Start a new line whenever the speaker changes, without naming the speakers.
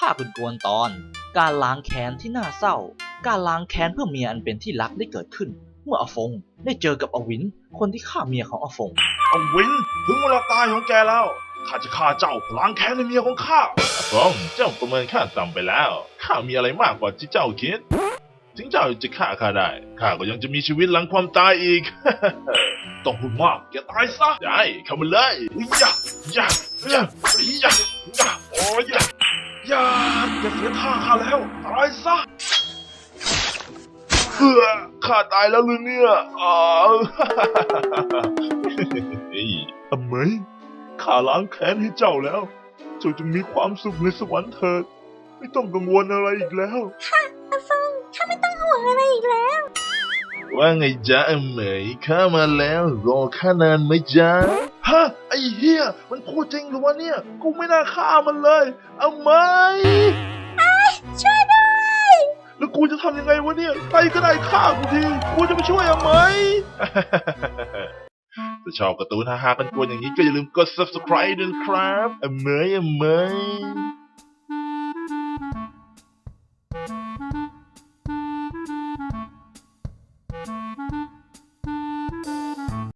ข้าเป็นกวนตอนการล้างแค้นที่น่าเศร้าการล้างแค้นเพื่อเมียอันเป็นที่รักได้เกิดขึ้นเมื่ออาฟงได้เจอกับอวินคนที่ฆ่าเมียของอาฟง
อวินถึงเวลาตายของแกแล้วข้าจะฆ่าเจ้าล้างแค้นในเมียของข้าฟองเจ้าประเมินข้าต่ำไปแล้วข้ามีอะไรมากกว่าที่เจ้าคิดถึงเจ้าจะฆ่าข้าได้ข้าก็ยังจะมีชีวิตหลังความตายอีก ต้องพูดมากแกตายซะได้เข้ามาเลยยะยะยะยะยะโอ้ยยะอย่าเสียท่าข้าแล้วตายซะข้าตายแล้วหรือเนี่ยเฮ้ยทำไมข้าล้างแค้นให้เจ้าแล้วเจ้าจงมีความสุขในสวรรค์เถิดไม่ต้องกังวลอะไรอีกแล้ว
อาฟงข้าไม่ต้องห่วงอะไรอีกแล้ว
ว่าไงจ๊ะเหมยข้ามาแล้วรอข้านานไหมจ๊ะฮะไอ้เหี้ยมันพูดจริงหรือวะเนี่ยกูไม่น่าฆ่ามันเลยเหมย
ช่วยด้วย
แล้วกูจะทำยังไงวะเนี่ยใครก็ได้ฆ่ากูทีกูจะไปช่วยเหมย ถ้าชอบการ์ตูนฮาๆกันกวนอย่างนี้ก็อย่าลืมกด subscribe ด้วยนะครับเหมย